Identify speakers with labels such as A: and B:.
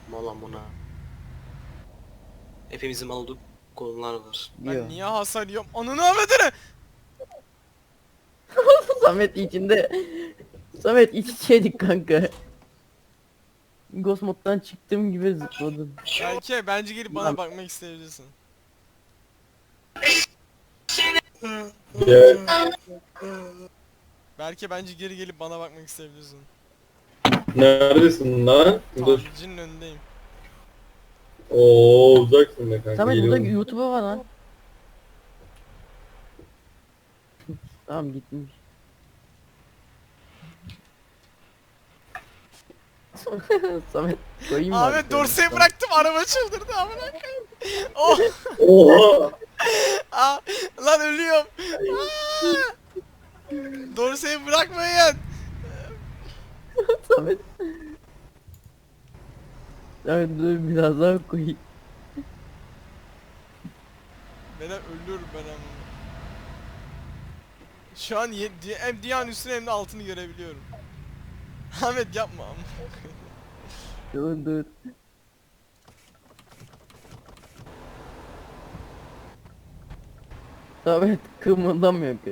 A: Mal amına. Hepimizin mal olduğu konular var.
B: Ben
C: Yo.
B: niye hasar yiyorum? Ananı avradını!
C: Samet içinde. Samet iç içeydik kanka. Ghost moddan çıktığım gibi zıpladım.
B: Belki bence gelip bana
C: Lan.
B: bakmak isteyebilirsin.
D: Ya,
B: Belki geri gelip bana bakmak isteyebilirsin.
D: neredesin lan? Dur.
B: Tamircinin önündeyim.
D: Oo, uzaksın be kanka.
C: Samet burada
D: Geliyorum.
C: YouTube'a var lan. Tamam gitmiş. Samet koyayım mı?
B: Ahmet dorseyi bıraktım, araba çıldırdı amına koyayım. Oh!
D: Oha!
B: Aa, lan ölüyorum. Aa! Dorseyi bırakmayın.
C: Samet. Samet dur biraz daha koyayım.
B: Ben ölüyorum ben ama. Şu an hem Diyan üstünü hem de altını görebiliyorum. Ahmet yapma ama.
C: Dur dur. Samet kımıldamıyor ki.